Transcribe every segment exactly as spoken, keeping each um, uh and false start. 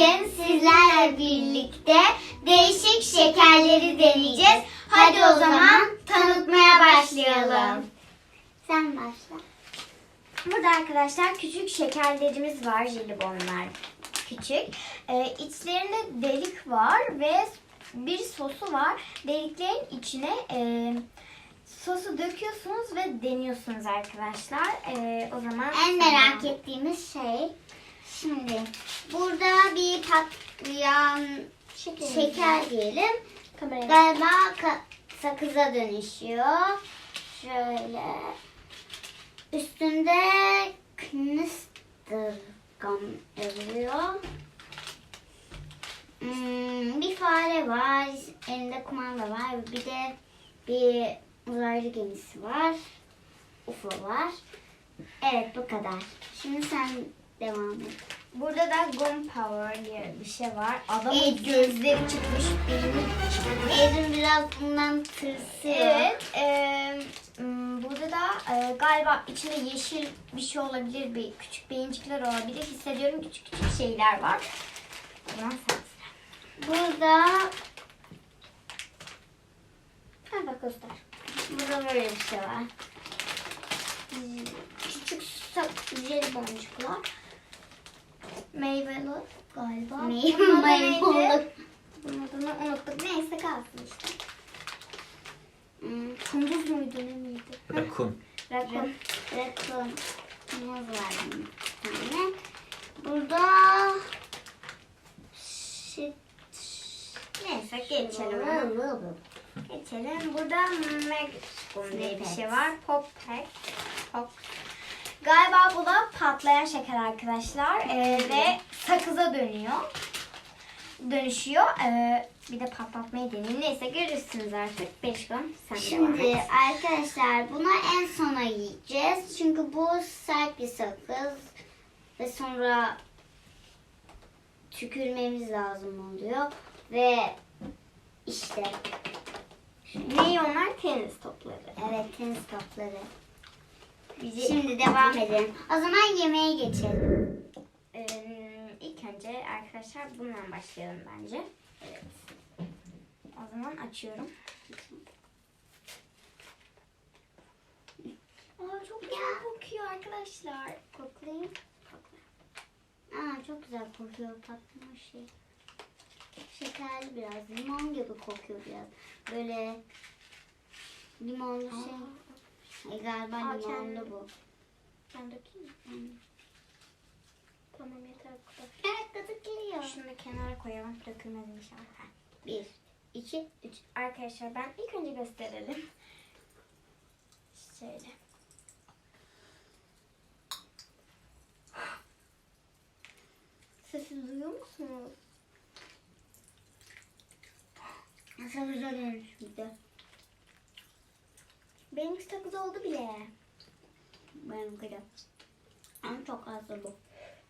Bugün sizlerle birlikte değişik şekerleri deneyeceğiz. Hadi o zaman tanıtmaya başlayalım. Sen başla. Burada arkadaşlar küçük şekerlerimiz var, jelibonlar küçük. Ee, içlerinde delik var ve bir sosu var. Deliklerin içine e, sosu döküyorsunuz ve deniyorsunuz arkadaşlar. Ee, o zaman En merak ettiğimiz şey, şimdi burada bir patlayan şeker, şeker diyelim. Kameraya. Galiba ka- sakıza dönüşüyor. Şöyle üstünde Knistergam yazıyor. Hmm, bir fare var, elinde kumanda var, bir de bir uzaylı gemisi var, U F O var. Evet, bu kadar. Şimdi sen devam et. Burada da Gum Power diye bir şey var. Adamın Evet. gözleri çıkmış, beyni çıkmış. Evrim biraz bundan tırsıyor. Evet. E, m, burada da e, galiba içinde yeşil bir şey olabilir. Bir küçük beyincikler olabilir. Hissediyorum küçük küçük şeyler var. O zaman sen sıra. Burada Ha bak göster. burada böyle bir şey var. Küçük sak- jelibonçuklar. Meyveli galiba. Meyve- Bunun adı meyve- neydi? Bunun adını unuttuk. Neyse kalsın işte. Hmm, Kunduz muydu ne miydi? Rakun. Rakun. Rakun. Muz var bir tane. Burada shit. Neyse geçelim. onu. Geçelim. Burada Megascum diye bir şey var. Pop Pack. Pop. Galiba bu da patlayan şeker arkadaşlar. Ee, ve sakıza dönüyor. Dönüşüyor. Ee, bir de patlatmayı deneyin. Neyse görürsünüz artık. beş gram sen devam Şimdi et. arkadaşlar bunu en sona yiyeceğiz. Çünkü bu sert bir sakız. Ve sonra tükürmemiz lazım oluyor. Ve işte Neyi onlar? Tenis topları. evet, tenis topları. Bizi- Şimdi devam edelim. O zaman yemeğe geçelim. Ee, ilk önce arkadaşlar bundan başlayalım bence. Evet. O zaman açıyorum. Aa, çok güzel kokuyor arkadaşlar. Koklayayım. Aa, çok güzel kokuyor patlama şey. Şekerli biraz. Limon gibi kokuyor biraz. Böyle limonlu şey. Ay, galiba Aa, limonlu kendi- bu. Ben dökeyim mi? Hmm. Tamam yeter bu kadar. Evet, tadı geliyor. Şunu da kenara koyalım. Dökülmez inşallah. Bir, iki, üç. Arkadaşlar ben ilk önce gösterelim. Şöyle. Sesi duyuyor musunuz? Nasıl güzel olmuş bir de. Benimki sakız oldu bile. Benimki de. Ama çok az da bu.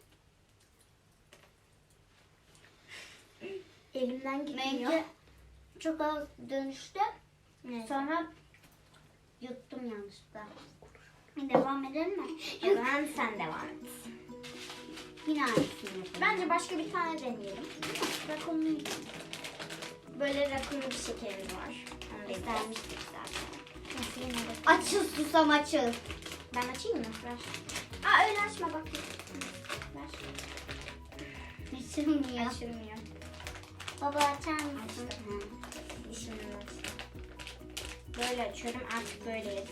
Elimden gitmiyor. Benimki çok az dönüştü. Neyse. Sonra yuttum yanlışlıkla. Devam edelim mi? O zaman sen devam et. Yine aynısını yapalım. Bence başka bir tane deneyelim. Rakunlu. Böyle rakunlu bir şekerimiz var. Onu da İstermiştik zaten. Nasıl yine de? Açıl susam açıl. Ben açayım mı? Ver. Aa öyle açma bak. Ver. Açılmıyor. Açılmıyor. Baba açar mısın? Açtım. Hı. Dişimle açtım. Böyle açıyorum artık böyle yedim.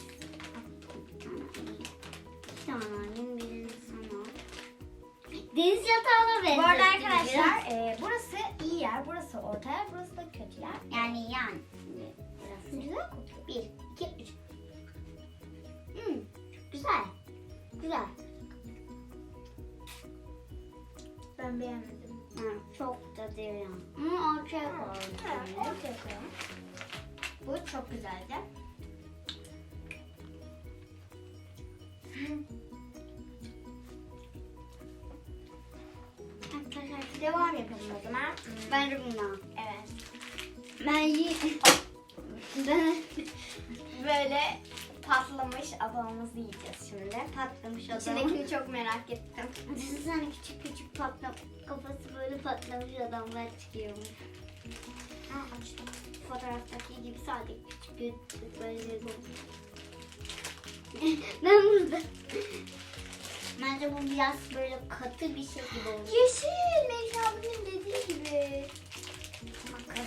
İki tane alayım, birini sana. Deniz yatağına benziyor. Bu arada arkadaşlar e, burası iyi yer, burası orta yer, burası da kötü yer. Yani yan. Biraz Güzel kokuyor. Bir, iki, üç. Hmm, güzel. Güzel. Ben beğenmedim. Ha, çok da değil yani. Ama ortaya koyalım. Evet, ortaya koyalım. Bu çok güzeldi. Arkadaşlar Devam yapalım o zaman. ben de bundan. Evet. Ben yi... ben... Böyle patlamış adamımızı yiyeceğiz şimdi. Patlamış adam. İçindekini çok merak ettim. Düşünsene küçük küçük patlam kafası böyle patlamış adamlar çıkıyormuş. Ha, açtım. Fotoğraftaki gibi sadece küçük küçük böyle bir Ben burada. Bence bu biraz böyle katı bir şey gibi oldu. Yeşil. Melih abinin dediği gibi. Makas.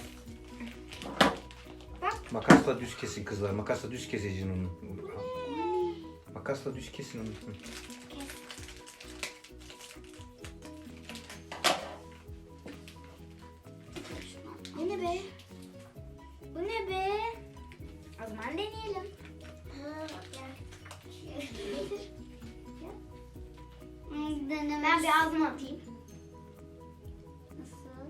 Bak. Makasla düz kesin kızlar. Makasla düz keseceksin onu. Makasla düz kesin onu. Hı. Bu ne be? Bu ne be? O zaman deneyelim. Denemez. Ben bir ağzıma atayım. Nasıl?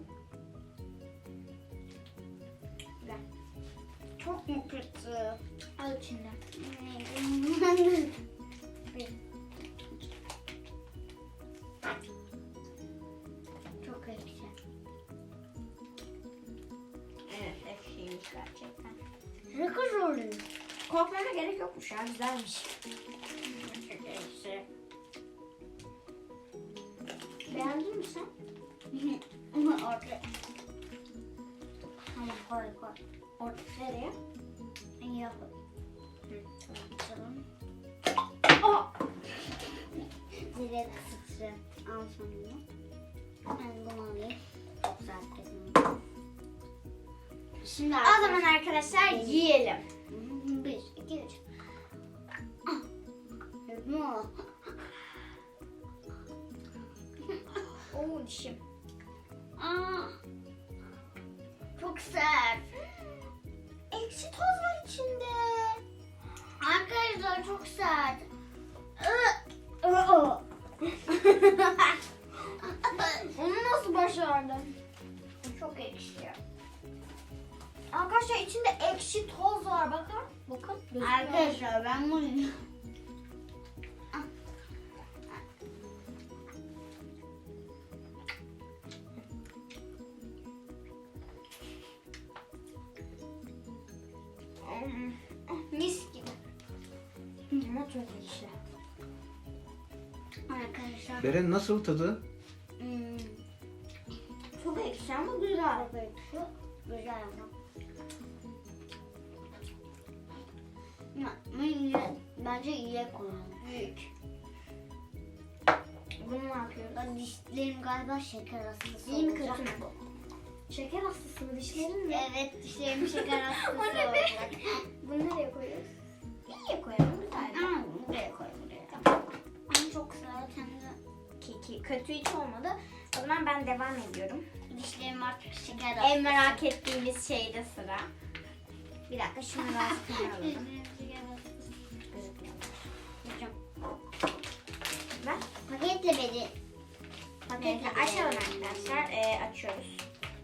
Güzel. Çok mu kötü? Al içinden. Çok ekşi. Evet, ekşiymiş gerçekten. Ne kadar oluyor? Korkmana gerek yokmuş ya, güzelmiş. Çok ekşi. Beğendin mi sen? Orada. Tamam koy koy. Orada nereye? Yap. Tamam. Oh! Direkt sıçra. Al sonunu. Ben bunu alayım. Çok güzel kokuyor. Şimdi O zaman arkadaşlar yiyelim. Bir, iki, üç. Mu? Oo, dişim. Aa, çok sert. Ekşi toz var içinde. Arkadaşlar çok sert. Onu nasıl başardın? Çok ekşi. Arkadaşlar içinde ekşi toz var, bakın. Bakın. gözüküyor. Arkadaşlar ben bunu... Hmm, mis gibi. Ama çok ekşi. Arkadaşlar... Beren nasıl tadı? Hmm, Çok ekşi ama güzel. şu güzel ama. Ya, bunu iyiye- Bence iyiye koyalım. Büyük. Bunu ne yapıyoruz? Ben dişlerim galiba şeker hastası İyi mi olacak. kötü mü bu? Şeker hastası mı dişlerin mi? Evet dişlerim şeker hastası O ne be? olacak. Bunu nereye koyuyoruz? İyiye koyalım güzel. Aa, buraya koy buraya. Ama çok sert hem de Ki, ki kötü hiç olmadı. O zaman ben devam ediyorum. dişlerim artık şeker hastası. En merak ettiğimiz şeyde sıra. Bir dakika şunu biraz kenara alalım. Dişlerim şeker hastası. Gözükmüyor. Hocam, Ver. paketle beni. Paketi açalım arkadaşlar. Ee, açıyoruz.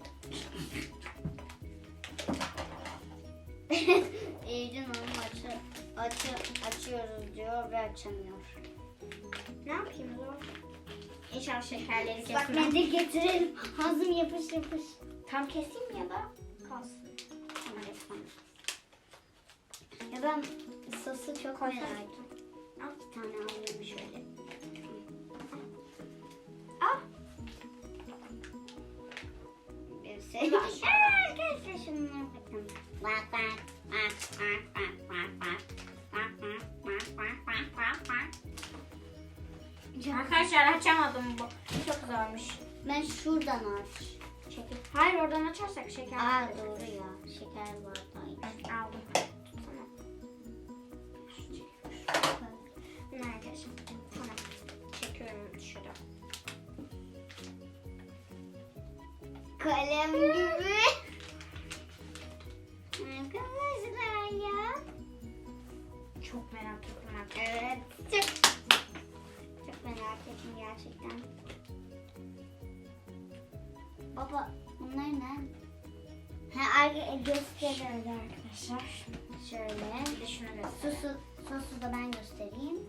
Eylül Hanım açı, açı, açıyoruz diyor ve açamıyor. Ne yapayım o zaman? İnşallah şekerleri Bak kesmem. mendil getirelim. Ağzım yapış yapış. Tam keseyim ya da kalsın. Ama resmen. Ya ben sosu çok Koy merak sen. ettim. Al bir tane alayım şöyle. Al. Bir şey. Dur aşağı. Arkadaşlar şunlara bakın. Bak bak bak bak bak bak bak. Bak bak bak bak bak bak bak. Arkadaşlar açamadım bu. Çok zormuş. Ben şuradan aç. Şeker. Hayır, oradan açarsak şeker. Aa doğru ya. Şeker var da. Aldım. Tamam. Bunu arkadaşlar. Tamam. Çekiyorum dışarı. Kalem gibi. Arkadaşlar ya. Çok merak ettim arkadaşlar. Evet. Çok, çok merak ettim gerçekten. Baba bunlar ne? Ha arka gösteriyoruz arkadaşlar. Şöyle. Bir de şunu göster. Sosu, sosu da ben göstereyim.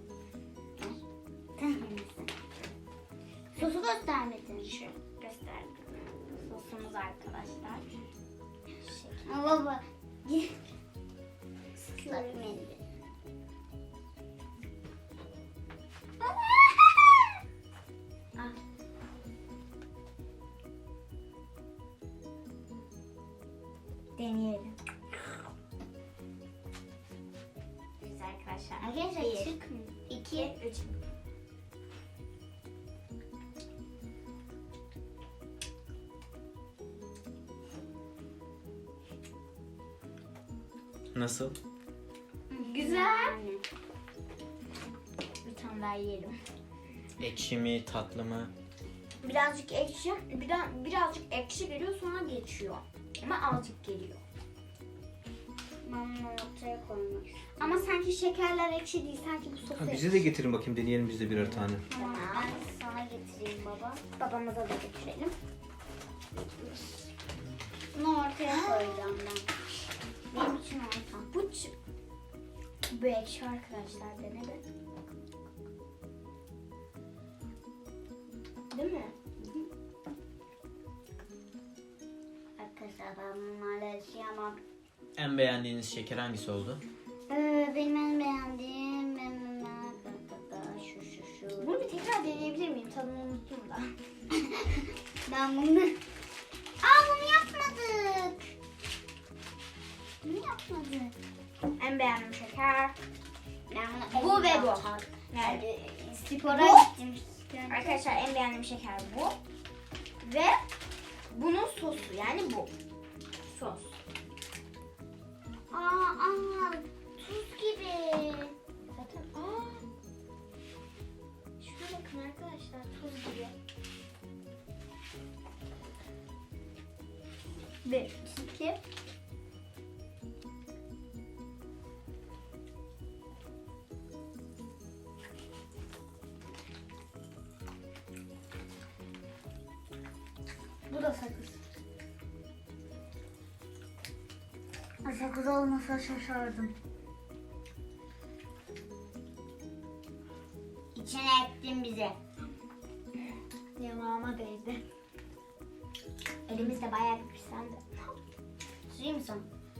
Sosu göstermedin. Şu gösterdim. Sosumuz arkadaşlar. Ama baba. Sıkıyorum. Mendil. deneyelim. Güzel arkadaşlar. Arkadaşlar Bir, çıkmıyor. iki, üç. Nasıl? Güzel. Yani. Bir tane daha yiyelim. Ekşi mi, tatlı mı? Birazcık ekşi, biraz, birazcık ekşi geliyor sonra geçiyor. Ama azıcık geliyor. Ben bunu ortaya koymak istiyorum. Ama sanki şekerler ekşi değil, sanki bu sosu Ha, ekşi. bize de getirin bakayım, deneyelim biz de birer tane. Tamam, ben sana getireyim baba. Babamıza da götürelim. Bunu ortaya koyacağım ben. Benim için orta. Bu, ç- bu ekşi arkadaşlar, dene de. Değil mi? Arkadaşlar ben bunlarla yaşayamam. En beğendiğiniz şeker hangisi oldu? Ee, benim en beğendiğim ben- ben- ben- şu şu şu. Bunu bir tekrar deneyebilir miyim? Tadını unuttum da. Ben bunu... Aa bunu yapmadık. Bunu yapmadık. En beğendiğim şeker. Ben bunu Bu ve elimle bu. atarım. Yani Ee, Spora Bu. gittim. arkadaşlar en beğendiğim şeker bu. Ve bunun sosu, yani bu. Sos. Aa, aa tuz gibi. Zaten aa. Şuna bakın arkadaşlar, tuz gibi. Bir, iki. Bu da sakız. Sakız olmasa şaşardım. İçine ettin bize. Yanağıma değdi. Elimiz de bayağı bir pislendi. Süreyim mi sana?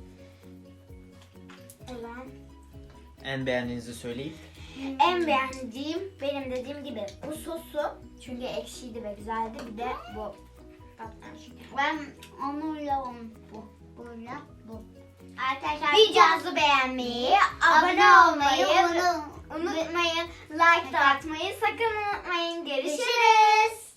O zaman En beğendiğinizi söyleyip en beğendiğim, benim dediğim gibi bu sosu. Çünkü ekşiydi ve güzeldi. Bir de bu. Tatlı şeker. Ben onunla onu bu. Bununla bu. Arkadaşlar Videomuzu beğenmeyi, abone olmayı bunu unutmayın. Like da atmayı sakın unutmayın. Görüşürüz.